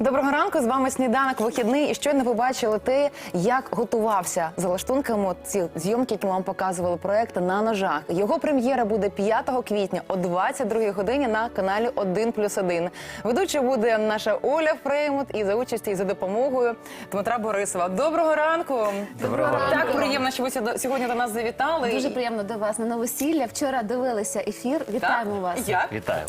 Доброго ранку, з вами «Сніданок вихідний». І щойно ви бачили те, як готувався за лаштунками ці зйомки, які ми вам показували, проєкт «На ножах». Його прем'єра буде 5 квітня о 22 годині на каналі 1+1. Ведуча буде наша Оля Фреймут і за участі і за допомогою Дмитра Борисова. Доброго ранку! Доброго ранку! Так приємно, що ви сьогодні до нас завітали. Дуже приємно до вас на новосілля. Вчора дивилися ефір. Вітаємо вас. Як? Вітаємо.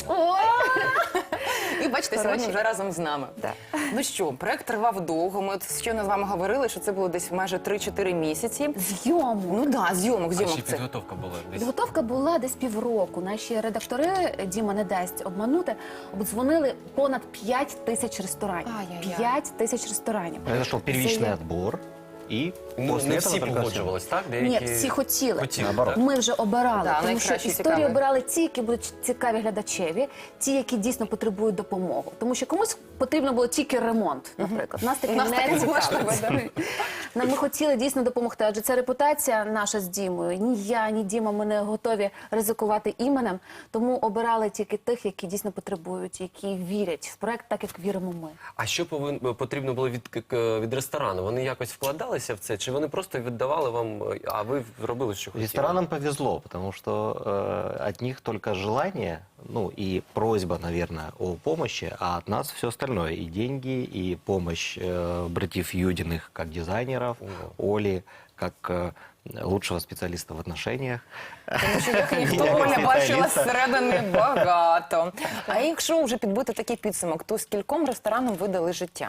І бачите, сьогодні вже разом з нами. Так. Ну що, проєкт тривав довго. Ми от щойно з вами говорили, що це було десь майже 3-4 місяці. Зйомок. Ну так, зйомок А ще це. підготовка була десь. Підготовка була десь півроку. Наші редактори, Діма не дасть обманути, обдзвонили понад 5 тисяч ресторанів. Ай-яй-яй. 5 тисяч ресторанів. Произошел первичный отбор, и Ну, после не этого всі только погоджувались, так? Ні, всі хотіли. Наоборот. Ми вже обирали, Да, тому що найкращі, історії цікаві. обирали ті, які будуть цікаві глядачеві, ті, які дійсно потребують допомоги. Тому що комусь потрібно було тільки ремонт, наприклад. Нас таки Нас таке не можливо, цікавить. Ми хотіли дійсно допомогти, адже це репутація наша з Дімою. Ні я, ні Діма, ми не готові ризикувати іменем, тому обирали тільки тих, які дійсно потребують, які вірять в проект так, як віримо ми. А що потрібно було від ресторану? Вони якось вкладалися в це? Чи вони просто віддавали вам, а ви робили, що хотіли? ресторанам повезло, потому что от них только желание, ну и просьба, наверное, о помощи, а от нас все остальное. И деньги, и помощь братьев Юдиных как дизайнеров, Оли как лучшего специалиста в отношениях. Тому що їх ніхто Я не спеціаліст. бачила зсередини багато. А якщо вже підбити такий підсумок, то скільком ресторанам ви дали життя?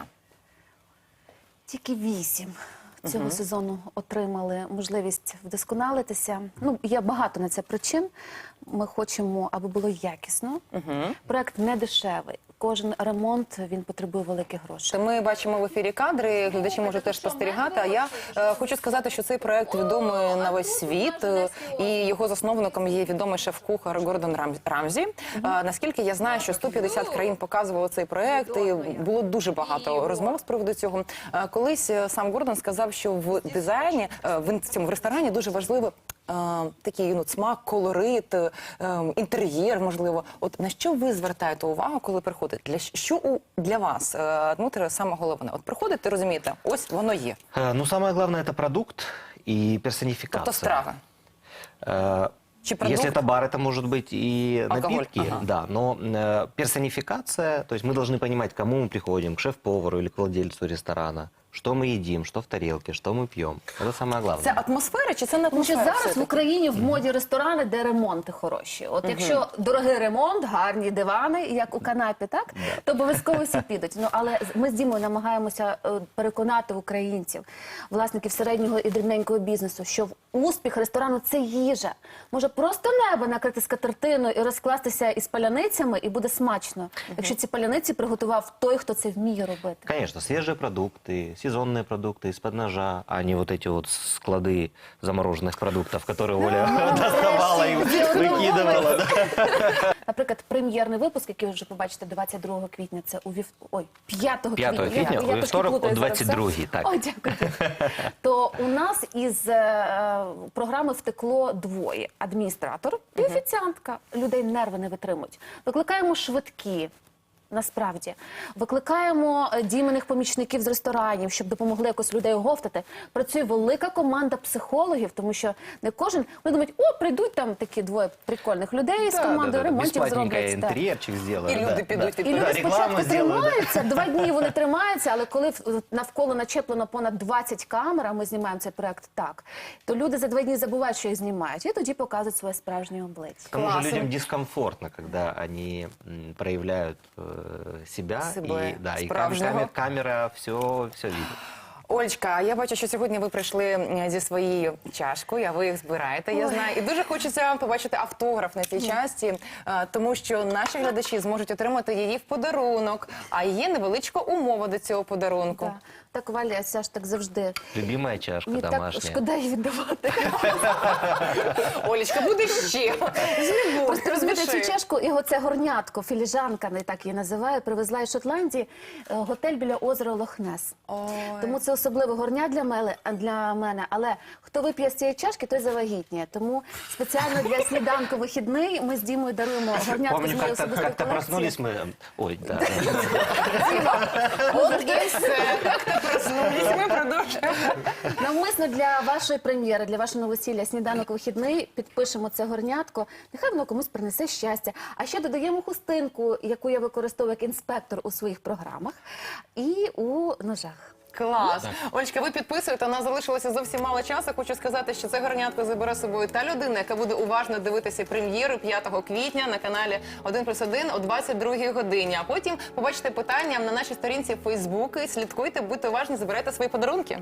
Тільки 8 цього сезону отримали можливість вдосконалитися. Ну, є багато на це причин. Ми хочемо, аби було якісно. Проект не дешевий. Кожен ремонт, він потребує великих грошей. Ми бачимо в ефірі кадри, глядачі можуть теж спостерігати. А я хочу сказати, що цей проект відомий на весь світ, і його засновником є відомий шеф-кухар Гордон Рамзі. Наскільки я знаю, що 150 країн показували цей проект, і було дуже багато розмов з приводу цього. Колись сам Гордон сказав, що в дизайні, в цьому ресторані дуже важливо такий смак, колорит, інтер'єр, можливо. От на що ви звертаєте увагу, коли приходите? Що для вас, Дмитре, саме головне? От приходите, розумієте, ось воно є. Ну, самое главное, это продукт и персонификация. Тобто страви. Чи продукт? Если это бар, это может быть и Алкоголь, напитки, ага. да, но персонификация, то есть мы должны понимать, к кому мы приходим, к шеф-повару или к владельцу ресторана, что мы едим, что в тарелке, что мы пьем. Это самое главное. Це атмосфера чи це не Тому що атмосфера? зараз в Україні в моді ресторани, де ремонти хороші. От якщо дорогий ремонт, гарні дивани, як у канапі, так? То обов'язково всі підуть. Ну, але ми з Дімою намагаємося переконати українців, власників середнього і дрібненького бізнесу, що успіх ресторану – це їжа. Може просто небо накрити скатертиною і розкластися із паляницями, і буде смачно. Якщо ці паляниці приготував той, хто це вміє робити. Конечно, свежие продукты, сезонные продукты из-под ножа, а не вот эти вот склады замороженных продуктов, которые Оля доставала и выкидывала. да. Наприклад, прем'єрний випуск, який ви вже побачите 22 квітня, це у 5 квітня. 5 квітня, Я у трошки вівторок о плутаю зараз все. 22-й, так. Ой, дякую. То у нас із програми втекло двоє. Адміністратор і офіціантка. Людей нерви не витримують. Викликаємо швидкі. Насправді. Викликаємо дійменних помічників з ресторанів, щоб допомогли якось людей оговтати. Працює велика команда психологів, тому що не кожен... Вони думають, о, прийдуть там такі двоє прикольних людей з командою ремонтів Бесплатненько зроблять. Так. интерьерчик сделают. І люди підуть, І підуть. люди рекламу спочатку зроблять, тримаються, 2 дні вони тримаються, але коли навколо начеплено понад 20 камер, а ми знімаємо цей проект так, то люди за 2 дні забувають, що їх знімають, і тоді показують своє справжнє обличчя. К тому же Классно. людям дискомфортно, когда они проявляют себя, Себе и, да, и справжнього. камера все видит. Олечка, я бачу, що сьогодні ви прийшли зі своєю чашкою, а ви їх збираєте, я знаю. І дуже хочеться побачити автограф на цій часті, тому що наші глядачі зможуть отримати її в подарунок. А є невеличка умова до цього подарунку. Так. Так, Валя, це ж так завжди. Любимая чашка Мені так домашняя. шкода її віддавати. Олечка, буде ще. Просто розумієте, цю чашку і оце горнятко, філіжанка, не так її називаю, привезла із Шотландії, готель біля озера Лохнес. Тому це особливе горня для мене, але хто вип'є з цієї чашки, той завагітніє. Тому спеціально для сніданку вихідний ми з Дімою даруємо горнятку з Помню, моєї как-то особистої проснулись колекції. мы... Ой, да. От і все. Як-то проснулись, ми продовжуємо. Навмисно для вашої прем'єри, для вашого новосілля сніданок вихідний підпишемо це горнятко. Нехай воно комусь принесе щастя. А ще додаємо хустинку, яку я використовую як інспектор у своїх програмах, і у ножах. Клас. Олечка, ви підписуєте, у нас залишилося зовсім мало часу. Хочу сказати, що це горнятко забере з собою та людина, яка буде уважно дивитися прем'єру 5 квітня на каналі 1+1 о 22 годині. А потім побачите питання на нашій сторінці в Facebook. Слідкуйте, будьте уважні, забирайте свої подарунки.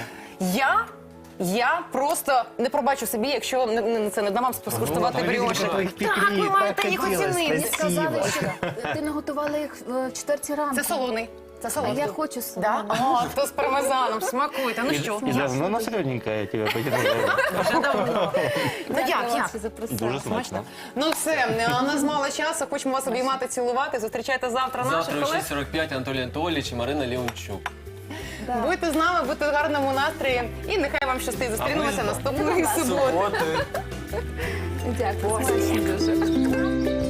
Я просто не пробачу собі, якщо це не дам вам скуштувати бріоші. Так, ви маєте їх оцінити. Мені сказали, що ти наготувала їх в 4 ранку. Це солоний. Це А солоний. я хочу Да? солоний. О, хто з пармезаном, смакуйте. Ну що? И давно на солененькое тебя потянуло. Вже давно. Ну Дякую, як? Олексій, запросила. Дуже смачно. Ну все, у нас мало часу, хочемо вас обіймати, цілувати. Зустрічайте завтра Завтра наших о колег. 6:45 Анатолій Анатолійович і Марина Леончук. Да. Будьте з нами, будьте в гарному настрої. І нехай вам щастить. Зустрінемося наступної суботи. Суботи. Дякую, смачно дуже.